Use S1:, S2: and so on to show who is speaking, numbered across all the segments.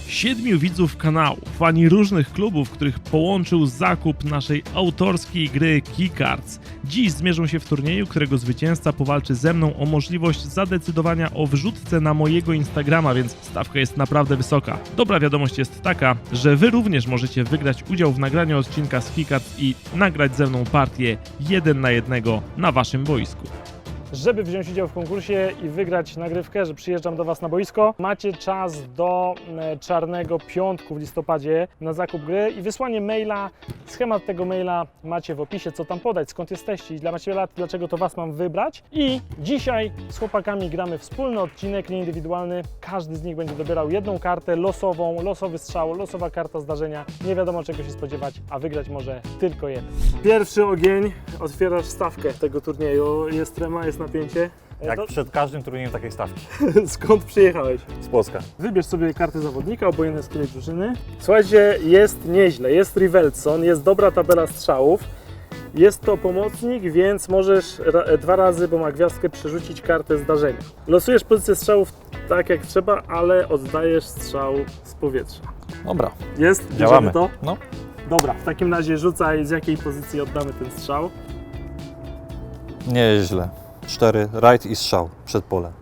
S1: 7 widzów kanału, fani różnych klubów, których połączył zakup naszej autorskiej gry Keycards. Dziś zmierzą się w turnieju, którego zwycięzca powalczy ze mną o możliwość zadecydowania o wrzutce na mojego Instagrama, więc stawka jest naprawdę wysoka. Dobra wiadomość jest taka, że wy również możecie wygrać udział w nagraniu odcinka z Keycards i nagrać ze mną partię 1 na 1 na waszym boisku.
S2: Żeby wziąć udział w konkursie i wygrać nagrywkę, że przyjeżdżam do Was na boisko, macie czas do czarnego piątku w listopadzie na zakup gry i wysłanie maila. Schemat tego maila macie w opisie, co tam podać, skąd jesteście i macie lat, dlaczego to Was mam wybrać. I dzisiaj z chłopakami gramy wspólny odcinek, nieindywidualny. Każdy z nich będzie dobierał jedną kartę losową, losowy strzał, losowa karta zdarzenia. Nie wiadomo czego się spodziewać, a wygrać może tylko jeden. Pierwszy ogień, otwierasz stawkę tego turnieju, jest trema, jest napięcie.
S3: Jak przed każdym turniejem takiej stawki.
S2: Skąd przyjechałeś?
S3: Z Polska.
S2: Wybierz sobie kartę zawodnika, obojętnie z której drużyny. Słuchajcie, jest nieźle, jest Rivelson, jest dobra tabela strzałów. Jest to pomocnik, więc możesz 2 razy, bo ma gwiazdkę, przerzucić kartę zdarzenia. Losujesz pozycję strzałów tak jak trzeba, ale oddajesz strzał z powietrza.
S3: Dobra.
S2: Jest?
S3: Działamy.
S2: Bierzemy to?
S3: No.
S2: Dobra, w takim razie rzucaj, z jakiej pozycji oddamy ten strzał.
S3: Nieźle. 4, rajd i strzał przed pole.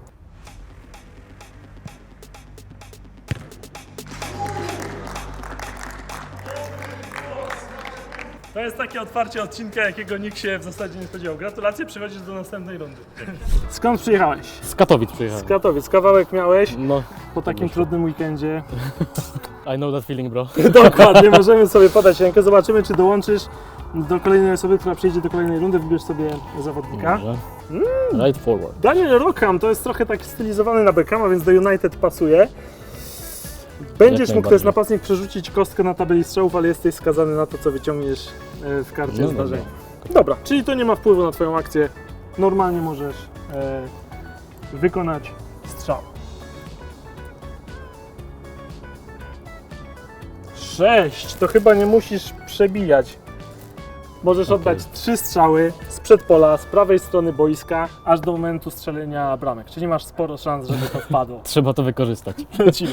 S2: To jest takie otwarcie odcinka, jakiego nikt się w zasadzie nie spodziewał. Gratulacje, przechodzisz do następnej rundy. Skąd przyjechałeś?
S4: Z Katowic przyjechałem.
S2: Z Katowic. Kawałek miałeś
S4: No,
S2: po takim trudnym weekendzie.
S4: I know that feeling, bro.
S2: Dokładnie, możemy sobie podać rękę. Zobaczymy, czy dołączysz do kolejnej osoby, która przyjdzie do kolejnej rundy. Wybierz sobie zawodnika.
S4: Right forward.
S2: Daniel Rockham to jest trochę tak stylizowany na Beckhama, więc do United pasuje. Będziesz mógł, to jest napastnik, przerzucić kostkę na tabeli strzałów, ale jesteś skazany na to, co wyciągniesz w karcie
S4: No
S2: zdarzenia. Dobra, czyli to nie ma wpływu na Twoją akcję. Normalnie możesz wykonać strzał. 6, to chyba nie musisz przebijać. Możesz oddać 3 strzały z przedpola, z prawej strony boiska, aż do momentu strzelenia bramek. Czyli masz sporo szans, żeby to wpadło.
S4: Trzeba to wykorzystać.
S2: Lecimy.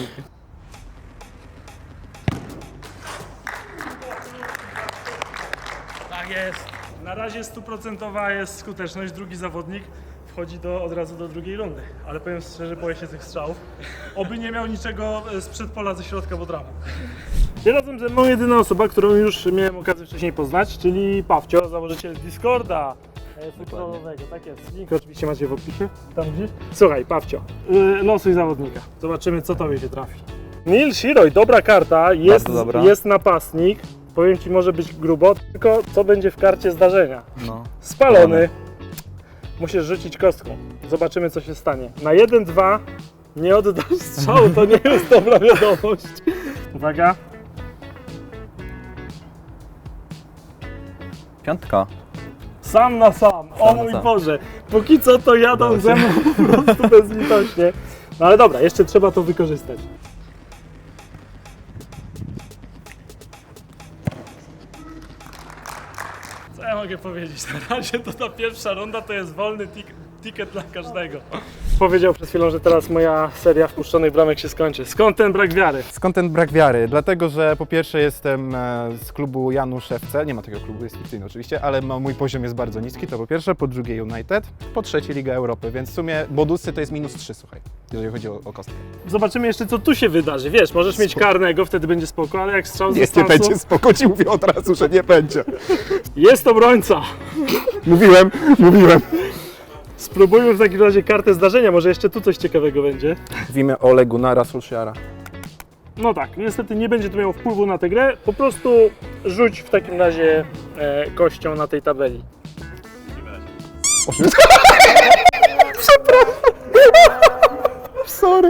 S2: Tak jest. Na razie 100% jest skuteczność. Drugi zawodnik wchodzi od razu do drugiej rundy. Ale powiem szczerze, boję się tych strzałów. Oby nie miał niczego z przedpola, ze środka od ramu. Jest razem ze mną jedyna osoba, którą już miałem okazję wcześniej poznać, czyli Pawcio, założyciel Discorda futbolowego. Tak jest. Link oczywiście macie w opisie. Tam gdzieś. Słuchaj, Pawcio, losuj zawodnika. Zobaczymy, co tobie się trafi. Neil Shiroj, dobra karta,
S3: dobra.
S2: jest napastnik. Powiem Ci, może być grubo, tylko co będzie w karcie zdarzenia?
S3: No.
S2: Spalony. Musisz rzucić kostką. Zobaczymy, co się stanie. Na 1-2 nie oddasz strzału, to nie jest dobra wiadomość. Uwaga.
S3: Piątka.
S2: Sam na sam. O
S3: na
S2: mój
S3: sam.
S2: Boże. Póki co to jadą ze mną po prostu bezlitośnie. No ale dobra, jeszcze trzeba to wykorzystać. Co ja mogę powiedzieć? Na razie to ta pierwsza runda to jest wolny ticket dla każdego. Powiedział przed chwilą, że teraz moja seria wpuszczonych bramek się skończy. Skąd ten brak wiary?
S5: Skąd ten brak wiary? Dlatego, że po pierwsze jestem z klubu Janusz FC, nie ma takiego klubu, jest fikcyjny oczywiście, ale mój poziom jest bardzo niski, to po pierwsze, po drugie United, po trzecie Liga Europy, więc w sumie bonusy to jest -3, słuchaj, jeżeli chodzi o kostkę.
S2: Zobaczymy jeszcze, co tu się wydarzy. Wiesz, możesz mieć karnego, wtedy będzie spoko, ale jak strzał z
S5: Nie
S2: dystansu...
S5: będzie spoko, ci mówię od razu, że nie będzie.
S2: Jest obrońca!
S5: Mówiłem.
S2: Spróbujmy w takim razie kartę zdarzenia, może jeszcze tu coś ciekawego będzie.
S5: W imię Ole Gunnara Solskjaera.
S2: No tak, niestety nie będzie to miało wpływu na tę grę, po prostu rzuć w takim razie kością na tej tabeli.
S5: Sorry.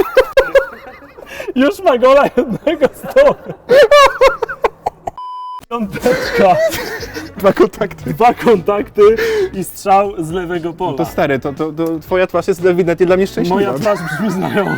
S2: Już ma gola jednego z tyłu. Piąteczka, 2 kontakty i strzał z lewego pola.
S5: To stary, to twoja twarz jest ewidentnie dla mnie szczęśliwa.
S2: Moja twarz brzmi znajomo.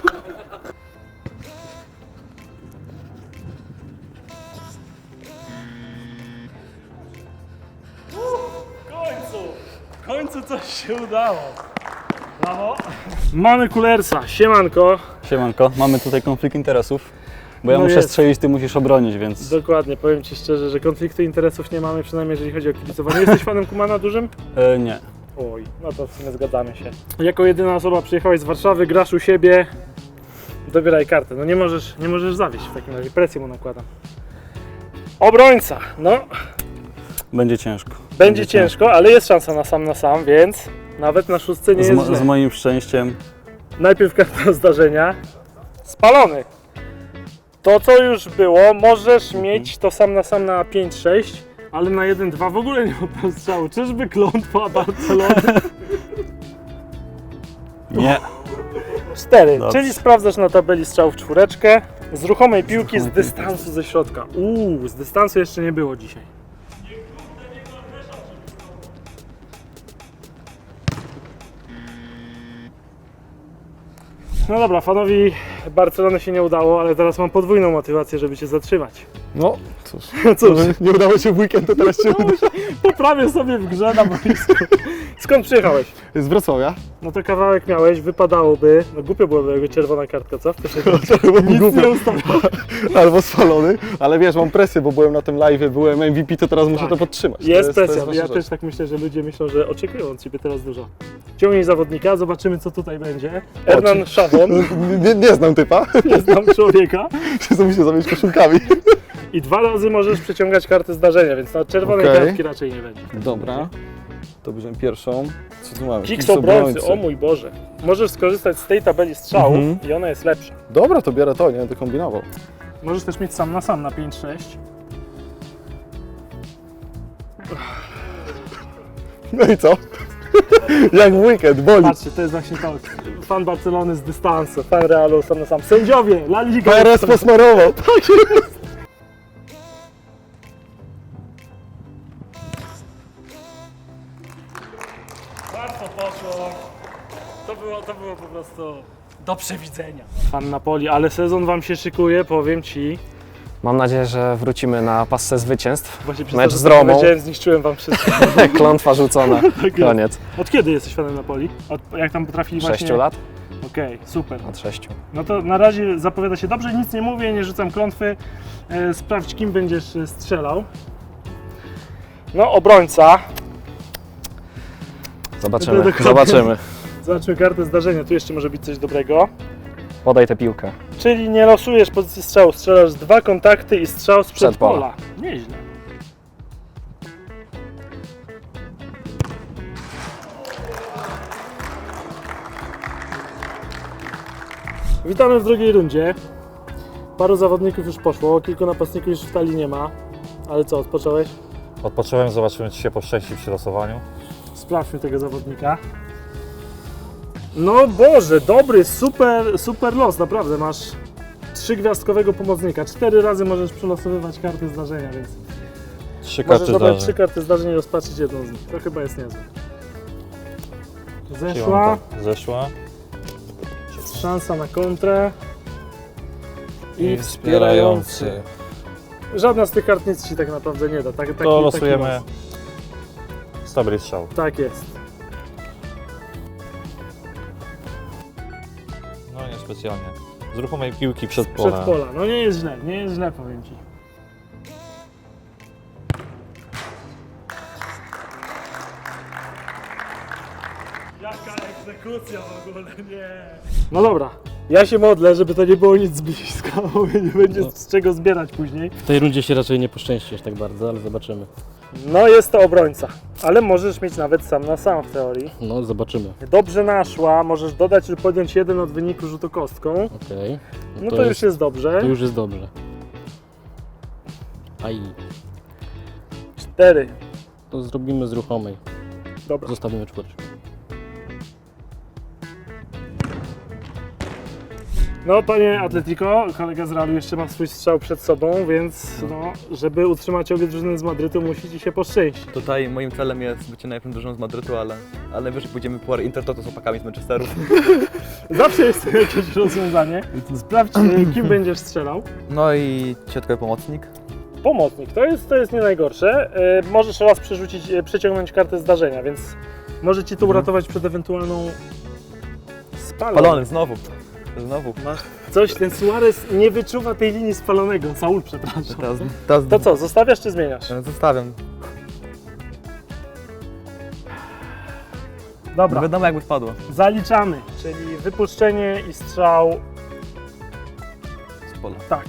S2: W końcu coś się udało. Brawo. Mamy Kullersa, siemanko.
S6: Siemanko, mamy tutaj konflikt interesów, bo ja
S2: No
S6: muszę
S2: jest.
S6: strzelić, ty musisz obronić, więc
S2: Dokładnie, powiem Ci szczerze, że konfliktu interesów nie mamy, przynajmniej jeżeli chodzi o kibicowanie. Jesteś fanem Kumana dużym?
S6: nie.
S2: Oj, no to w sumie zgadzamy się. Jako jedyna osoba przyjechałeś z Warszawy, grasz u siebie, dobieraj kartę. No nie możesz zawieść w takim razie, presję mu nakładam. Obrońca, no
S6: Będzie ciężko.
S2: będzie ciężko, ale jest szansa na sam, więc nawet na szóstce nie jest źle.
S6: Z moim szczęściem
S2: Najpierw karta zdarzenia. Spalony. To co już było, możesz mieć to sam na 5-6, ale na 1-2 w ogóle nie oddał strzału. Czyżby klątwa Barcelony?
S6: nie.
S2: 4,
S6: Dobrze.
S2: czyli sprawdzasz na tabeli strzał w czwóreczkę. Z ruchomej piłki z dystansu ze środka. Z dystansu jeszcze nie było dzisiaj. No dobra, fanowi Barcelony się nie udało, ale teraz mam podwójną motywację, żeby Cię zatrzymać.
S5: No, cóż,
S2: Cóż,
S5: nie udało się w weekend, to teraz się uda.
S2: poprawię sobie w grze na boisku. Skąd przyjechałeś?
S5: Z Wrocławia.
S2: No to kawałek miałeś, wypadałoby, no głupio byłoby jakby czerwona kartka, co? Nic
S5: Głupio.
S2: nie ustawiam.
S5: Albo spalony, ale wiesz, mam presję, bo byłem na tym live'ie, byłem MVP, to teraz muszę
S2: Tak.
S5: to podtrzymać.
S2: Jest
S5: to
S2: presja,
S5: ważna
S2: ja
S5: rzecz.
S2: też tak myślę, że ludzie myślą, że oczekują od Ciebie teraz dużo. Ciągnij zawodnika, zobaczymy co tutaj będzie. Hernan Szawon,
S5: Nie znam typa,
S2: nie znam człowieka.
S5: przez to muszę zamieć koszulkami.
S2: I 2 razy możesz przeciągać kartę zdarzenia, więc na czerwonej
S5: Okej.
S2: kartki raczej nie będzie.
S5: Dobra, to bierzemy pierwszą. Co tu mamy?
S2: Kiks obrońcy, o mój Boże. Możesz skorzystać z tej tabeli strzałów i ona jest lepsza.
S5: Dobra, to biorę to, nie będę kombinował.
S2: Możesz też mieć sam na 5-6.
S5: No i co? Jak w weekend, boli.
S2: Patrzcie, to jest właśnie to. Fan Barcelony z dystansu, fan Realu sam na sam. Sędziowie, La Liga.
S5: PRS posmarował.
S2: Łatwo poszło. To było po prostu do przewidzenia. Fan Napoli, ale sezon Wam się szykuje, powiem Ci.
S7: Mam nadzieję, że wrócimy na pasce zwycięstw.
S2: Właśnie przez
S7: Mecz
S2: to, że
S7: z Romą.
S2: powiedziałem, zniszczyłem Wam wszystko.
S7: Klątwa rzucona.
S2: Tak jest.
S7: Koniec.
S2: Od kiedy jesteś fanem Napoli? Jak tam potrafili
S7: 6
S2: właśnie...
S7: lat?
S2: Okej, super.
S7: Od 6.
S2: No to na razie zapowiada się dobrze, nic nie mówię, nie rzucam klątwy. Sprawdź, kim będziesz strzelał. No, obrońca.
S7: Zobaczymy.
S2: Dokładnie.
S7: Zobaczymy.
S2: Zobaczmy kartę zdarzenia, tu jeszcze może być coś dobrego.
S7: Podaj tę piłkę.
S2: Czyli nie losujesz pozycji strzału, strzelasz 2 kontakty i strzał z przedpola. Nieźle. Witamy w drugiej rundzie. Paru zawodników już poszło, kilku napastników już w talii nie ma. Ale co, odpocząłeś?
S3: Odpocząłem, zobaczymy, czy się poszczęści przy losowaniu.
S2: Sprawdźmy tego zawodnika. No Boże, dobry, super los, naprawdę. Masz 3-gwiazdkowego pomocnika. 4 razy możesz przelosowywać karty zdarzenia, więc
S3: 3
S2: możesz
S3: karty
S2: dobrać
S3: zdarzeń.
S2: 3 karty zdarzeń i rozpatrzyć jedną z nich. To chyba jest niezłe. Zeszła,
S3: Siłanka zeszła.
S2: szansa na kontrę. I wspierający. Żadna z tych kart nic Ci tak naprawdę nie da. Taki
S3: To losujemy
S2: los.
S3: stabilny strzał.
S2: Tak jest.
S3: No nie specjalnie. Z ruchomej piłki przed polem.
S2: Przed pola. No nie jest źle, powiem Ci. Jaka egzekucja w ogóle, nie. No dobra, ja się modlę, żeby to nie było nic z bliska, bo nie będzie z czego zbierać później.
S4: W tej rundzie się raczej nie poszczęści aż tak bardzo, ale zobaczymy.
S2: No jest to obrońca, ale możesz mieć nawet sam na sam w teorii.
S4: No, zobaczymy.
S2: Dobrze naszła, możesz dodać lub podjąć 1 od wyniku rzutu kostką.
S4: Okej.
S2: No to już jest dobrze.
S4: To już jest dobrze. Aj.
S2: 4.
S4: To zrobimy z ruchomej.
S2: Dobra.
S4: Zostawimy czwóreczkę.
S2: No panie Atletico, kolega z Realu jeszcze ma swój strzał przed sobą, więc no, żeby utrzymać obie drużyny z Madrytu musi Ci się poszczęścić.
S8: Tutaj moim celem jest bycie najlepszym drużyną z Madrytu, ale wiesz, że pójdziemy po Intertoto z chłopakami z Manchesteru.
S2: Zawsze jest to jakieś rozwiązanie. Sprawdź, kim będziesz strzelał.
S8: No i środkowy pomocnik.
S2: Pomocnik, to jest nie najgorsze. Możesz raz przeciągnąć kartę zdarzenia, więc może Ci to uratować przed ewentualną spaloną.
S8: Palony znowu. Znowu.
S2: Coś, ten Suarez nie wyczuwa tej linii spalonego. Saul, przepraszam.
S8: Teraz
S2: To co, zostawiasz czy zmieniasz?
S8: Zostawiam.
S2: Dobra,
S8: Wiadomo jakby wpadło.
S2: zaliczamy, czyli wypuszczenie i strzał,
S8: Z pola.
S2: tak.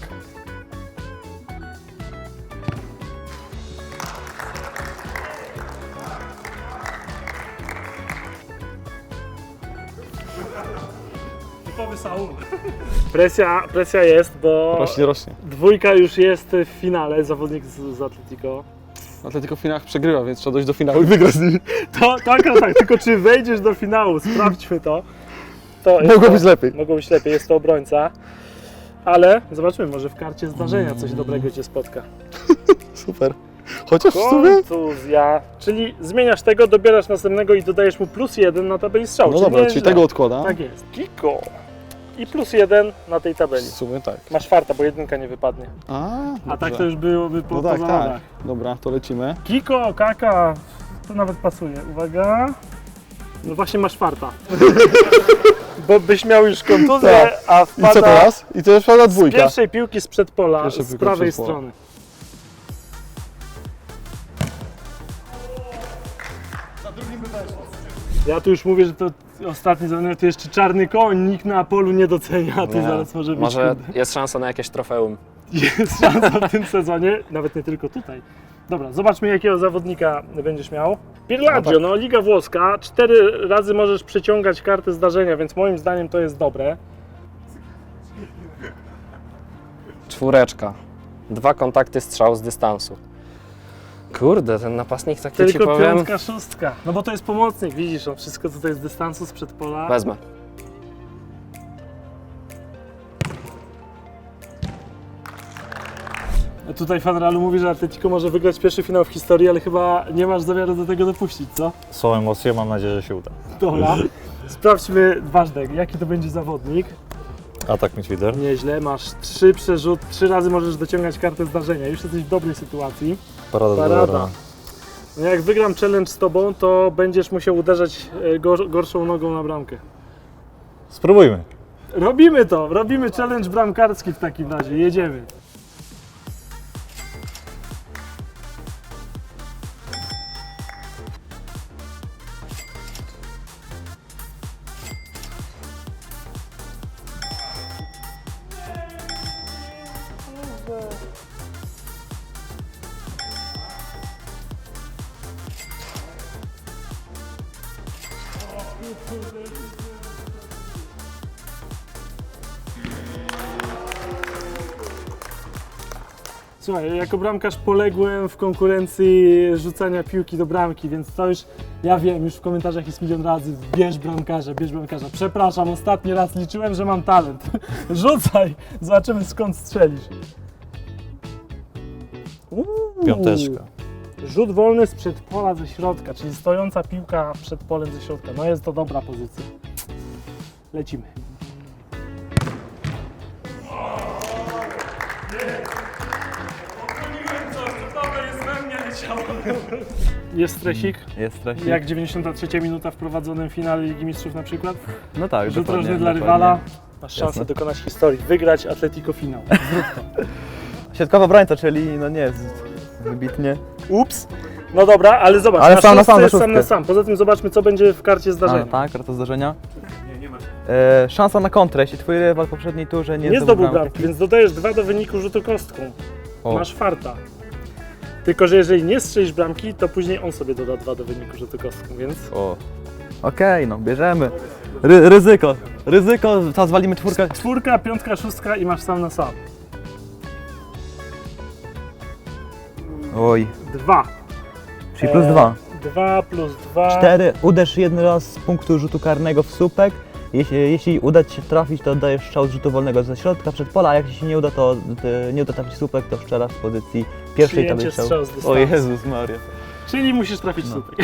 S2: Typowy Saul. Presja jest, bo
S7: Rośnie.
S2: dwójka już jest w finale, zawodnik z Atletico.
S7: Atletico w finałach przegrywa, więc trzeba dojść do finału i wygrać z nimi.
S2: To tak, tylko czy wejdziesz do finału, sprawdźmy to.
S7: Mogło być lepiej.
S2: Mogło być lepiej, jest to obrońca. Ale zobaczymy, może w karcie zdarzenia coś dobrego Cię spotka.
S7: Super. Chociaż w sumie...
S2: Kontuzja. Czyli zmieniasz tego, dobierasz następnego i dodajesz mu +1 na tabeli strzału.
S7: No dobra, czyli
S2: źle.
S7: tego odkładam.
S2: Tak jest. Kiko. I +1 na tej
S7: W
S2: tabeli.
S7: sumie tak.
S2: Masz farta, bo jedynka nie wypadnie. A tak
S7: dobrze.
S2: to już byłoby po
S7: No tak,
S2: zawodach.
S7: tak. Dobra, to lecimy.
S2: Kiko, Kaka, to nawet pasuje. Uwaga. No właśnie masz farta. Bo byś miał już kontuzję,
S7: Tak.
S2: a
S7: I co
S2: wpada
S7: teraz? I to już wpada
S2: z
S7: dwójka.
S2: pierwszej piłki z przedpola,
S7: Pierwsza
S2: z
S7: piłka
S2: prawej
S7: przed pola.
S2: strony. Ja tu już mówię, że to ostatni zawodnik, to jeszcze czarny koń, nikt na polu nie docenia, a tu
S7: Nie.
S2: zaraz może być
S7: Może
S2: kurde.
S7: jest szansa na jakieś trofeum.
S2: Jest szansa w tym sezonie, nawet nie tylko tutaj. Dobra, zobaczmy jakiego zawodnika będziesz miał. Pirlaggio, no Liga Włoska, 4 razy możesz przeciągać kartę zdarzenia, więc moim zdaniem to jest dobre.
S7: 4. 2 kontakty strzał z dystansu. Kurde, ten napastnik taki ci
S2: Tylko
S7: powiem...
S2: 5, 6. No bo to jest pomocnik, widzisz, on wszystko tutaj z dystansu, z przedpola.
S7: Wezmę.
S2: Tutaj fan Realu mówi, że Atletico może wygrać pierwszy finał w historii, ale chyba nie masz zamiaru do tego dopuścić, co?
S3: Są emocje, mam nadzieję, że się uda.
S2: Dobra. Sprawdźmy ważne, jaki to będzie zawodnik.
S3: Atak midfielder.
S2: Nieźle, masz 3 przerzut, 3 razy możesz dociągać kartę zdarzenia. Już jesteś w dobrej sytuacji.
S3: Parada.
S2: Parada. No jak wygram challenge z tobą, to będziesz musiał uderzać gorszą nogą na bramkę.
S3: Spróbujmy.
S2: Robimy to, robimy challenge bramkarski w takim razie, jedziemy. Słuchaj, jako bramkarz poległem w konkurencji rzucania piłki do bramki, więc to już, ja wiem, już w komentarzach jest milion razy, bierz bramkarza, bierz bramkarza. Przepraszam, ostatni raz liczyłem, że mam talent. Rzucaj, zobaczymy skąd strzelisz.
S3: Piąteczka.
S2: Rzut wolny z przedpola ze środka, czyli stojąca piłka przed polem ze środka. No jest to dobra pozycja. Lecimy. Jest stresik?
S8: Jest stresik.
S2: Jak 93 minuta w prowadzonym finale Ligi Mistrzów na przykład?
S8: No tak,
S2: Rzut
S8: dokładnie,
S2: rożny dla
S8: dokładnie.
S2: rywala. Masz szansę
S8: Jasne.
S2: dokonać historii, wygrać Atletico finał.
S8: Środkowa obrońca, czyli no nie jest wybitnie.
S2: Ups. No dobra, ale zobacz,
S8: Ale
S2: na
S8: sam na
S2: szóstce
S8: sam, na
S2: jest sam
S8: szóstkę.
S2: na sam. Poza tym zobaczmy, co będzie w karcie
S8: A,
S2: zdarzenia.
S8: no tak, karta zdarzenia. Szansa na kontrę, jeśli twój rywal w poprzedniej turze
S2: Nie zdobył bramki, więc dodajesz 2 do wyniku rzutu kostką.
S8: O.
S2: Masz farta. Tylko że jeżeli nie strzelisz bramki, to później on sobie doda 2 do wyniku rzutu kostką, więc...
S8: O. Okej, no bierzemy. Ryzyko, teraz walimy 4.
S2: 4, 5, 6 i masz sam na sam.
S6: Oj,
S2: 2.
S6: czyli plus 2.
S2: 2 plus 2.
S6: 4. Uderz jeden raz z punktu rzutu karnego w słupek. Jeśli uda Ci się trafić, to oddajesz strzał z rzutu wolnego ze środka przed pola, a jak Ci się nie uda, to nie uda trafić słupek, to strzelasz w pozycji pierwszej
S2: Przyjęcie
S6: tabeli strzału.
S2: strzał z dystansu.
S6: O Jezus Maria.
S2: Czyli musisz trafić
S6: No.
S2: słupek.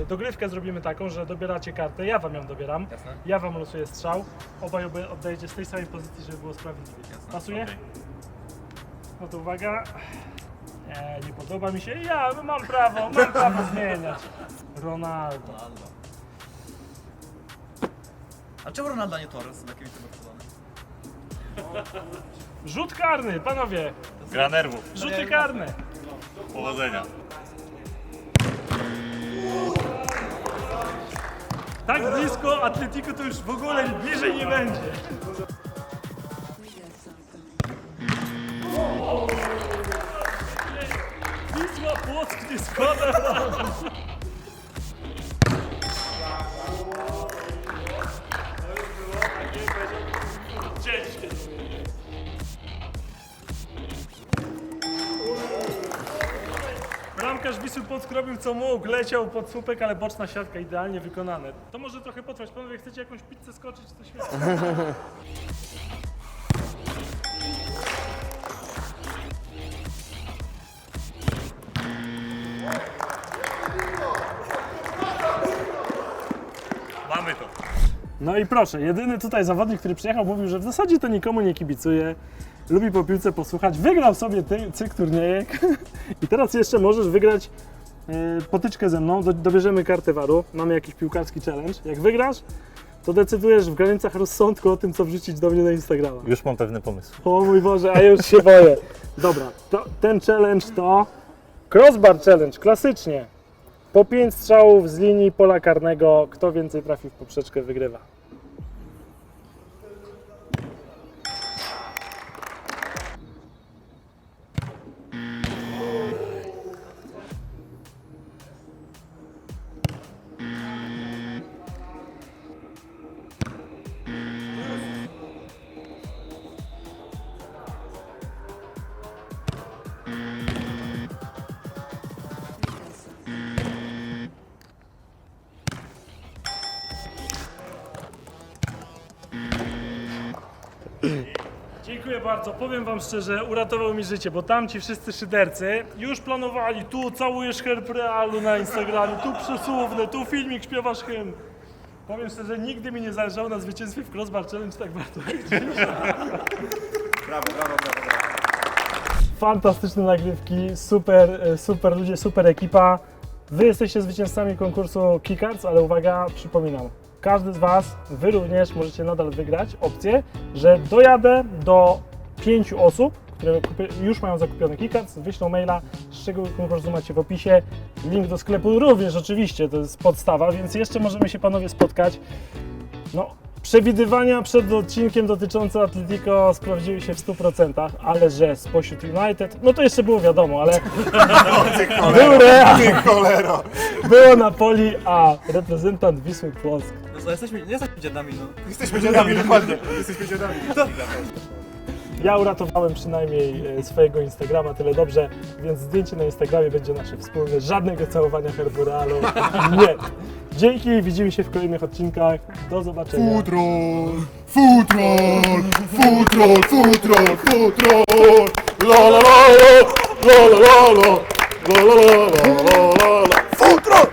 S2: dogrywkę zrobimy taką, że dobieracie kartę, ja wam ją dobieram,
S8: Jasne?
S2: ja wam losuję strzał, obaj oddajecie z tej samej pozycji, żeby było sprawiedliwie. Pasuje?
S8: Okej.
S2: No to uwaga. Nie podoba mi się. Ja mam prawo zmieniać. Ronaldo.
S8: A czemu Ronaldo nie Torres? Z jakimi
S2: Rzut karny, panowie.
S3: Gra nerwów.
S2: Rzuty karne.
S3: Powodzenia.
S2: Tak blisko Atletico to już w ogóle bliżej nie będzie. Wisła Płock nie składa. Ciężkie. Bramkarz Wisły Płock robił co mógł, leciał pod słupek, ale boczna siatka idealnie wykonane. To może trochę potrwać. Panowie, chcecie jakąś pizzę skoczyć, to świetnie.
S3: Mamy to.
S2: No i proszę, jedyny tutaj zawodnik, który przyjechał, mówił, że w zasadzie to nikomu nie kibicuje, lubi po piłce posłuchać, wygrał sobie cykl turniejek i teraz jeszcze możesz wygrać potyczkę ze mną, dobierzemy kartę waru, mamy jakiś piłkarski challenge. Jak wygrasz, to decydujesz w granicach rozsądku o tym, co wrzucić do mnie na Instagrama.
S3: Już mam pewny pomysł.
S2: O mój Boże, a ja już się boję. Dobra, ten challenge to crossbar challenge, klasycznie. Po 5 strzałów z linii pola karnego, kto więcej trafi w poprzeczkę, wygrywa. Dziękuję bardzo. Powiem wam szczerze, uratował mi życie, bo tam ci wszyscy szydercy już planowali, tu całujesz herb Realu na Instagramie, tu przesuwny, tu filmik, śpiewasz hymn. Powiem szczerze, nigdy mi nie zależało na zwycięstwie w Crossbar Challenge tak bardzo.
S8: Brawo, brawo, brawo.
S2: Fantastyczne nagrywki, super ludzie, super ekipa. Wy jesteście zwycięzcami konkursu Keycards, ale uwaga, przypominam, każdy z Was, Wy również możecie nadal wygrać opcję, że dojadę do 5 osób, które już mają zakupione Keycards, wyślą maila, szczegóły konkursu macie w opisie, link do sklepu również oczywiście, to jest podstawa, więc jeszcze możemy się panowie spotkać. No, przewidywania przed odcinkiem dotyczące Atletico sprawdziły się w 100%, ale że spośród United, no to jeszcze było wiadomo, ale był Real, było Napoli, a reprezentant Wisły Płock.
S8: No, jesteśmy dziadami, no.
S5: Jesteśmy dziadami, dokładnie. Jesteśmy dziadami.
S2: Ja uratowałem przynajmniej swojego Instagrama tyle dobrze, więc zdjęcie na Instagramie będzie nasze wspólne, żadnego całowania herbu Realu, nie. Dzięki, widzimy się w kolejnych odcinkach, do zobaczenia.
S9: Futrol, futrol, futrol, futrol, futrol, la la la la la la la la la la la la la la, futrol!